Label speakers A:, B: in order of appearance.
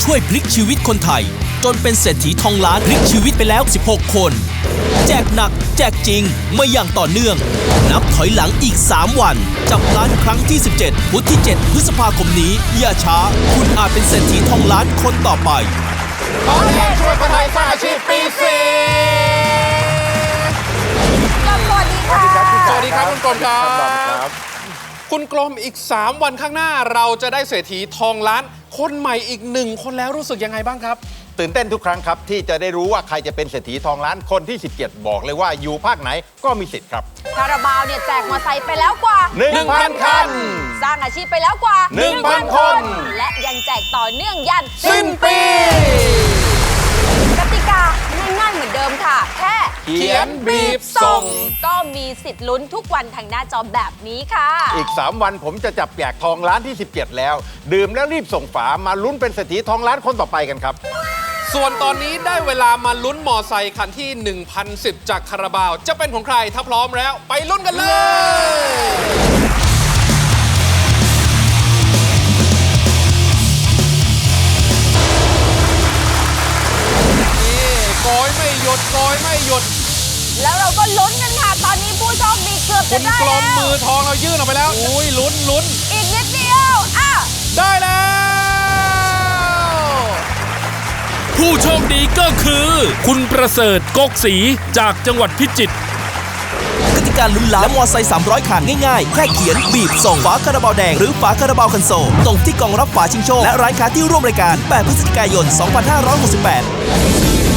A: ช่วยพลิกชีวิตคนไทยจนเป็นเศรษฐีทองล้านพลิกชีวิตไปแล้ว 16 คน แจกหนักแจกจริงมาอย่างต่อเนื่อง นับถอยหลังอีก 3 วัน จับล้านครั้งที่ 17 พุธที่ 7 พฤษภาคมนี้ อย่าช้า คุณอาจเป็นเศรษฐีทองล้านคนต่อไป
B: ขอแรงช่วยคนไทยสร้างอาชีพปีสี่
C: สวัสดีค่ะ
B: สวัสดีครับคุณกรมครับ
D: ครับ
B: คุณกรมอีก 3 วันข้างหน้าเราจะได้เศรษฐีทองล้านคนใหม่อีก1 คนแล้วรู้สึกยังไงบ้างครับ
D: ตื่นเต้นทุกครั้งครับที่จะได้รู้ว่าใครจะเป็นเศรษฐีทองล้านคนที่ 17 บอกเลยว่าอยู่ภาคไหนก็มีสิทธิ์ครับ
C: คาราบาวเนี่ยแจกมอไซค์ไปแล้วกว่า
D: 1,000 คัน
C: สร้างอาชีพไปแล้วกว่า
D: 1,000 คน
C: และยังแจกต่อเนื่องยัน
D: สิ้นปี
C: กติกาง่ายๆเหมือนเดิมค่ะ แค่
B: เขียนบีบส่ง
C: ก็มีสิทธิ์ลุ้นทุกวันทางหน้าจอแบบนี้ค่ะ
D: อีก 3 วันผมจะจับแจกทองล้านที่ 17 แล้ว ดื่มแล้วรีบส่งฝามาลุ้นเป็นเศรษฐีทองล้านคนต่อไปกันครับ
B: ส่วนตอนนี้ได้เวลามาลุ้นมอไซค์คันที่ 1,010 จากคาราบาว จะเป็นของใครถ้าพร้อมแล้วไปลุ้นกันเลยนี่โกยไม่หยุดโกยไม่หยุด
C: แล้วเราก็ลุ้นกันค่ะ ตอนนี้ผู้โชคดีเกือบ
B: คุ
C: จะ
B: ณ
C: ได้
B: กล
C: แล้
B: ม
C: ว
B: มือทองเรายื่นออกไปแล้ว อุ้ยลุ้นลุ้น
C: อีกนิดเดียวอ่ะ
B: ได้แล้ว
E: ผู้โชคดีก็คือ คุณประเสริฐกกศรีจากจังหวัดพิจิตร
A: กติกาลุ้นล้านและมอไซค์300 คันง่ายๆ แค่เขียนบีบส่งฝาคาราบาวแดงหรือฝาคาราบาวคันโซลส่งที่กล่องรับฝาชิงโชคและร้านค้าที่ร่วมรายการ 8 พฤศจิกายน 2568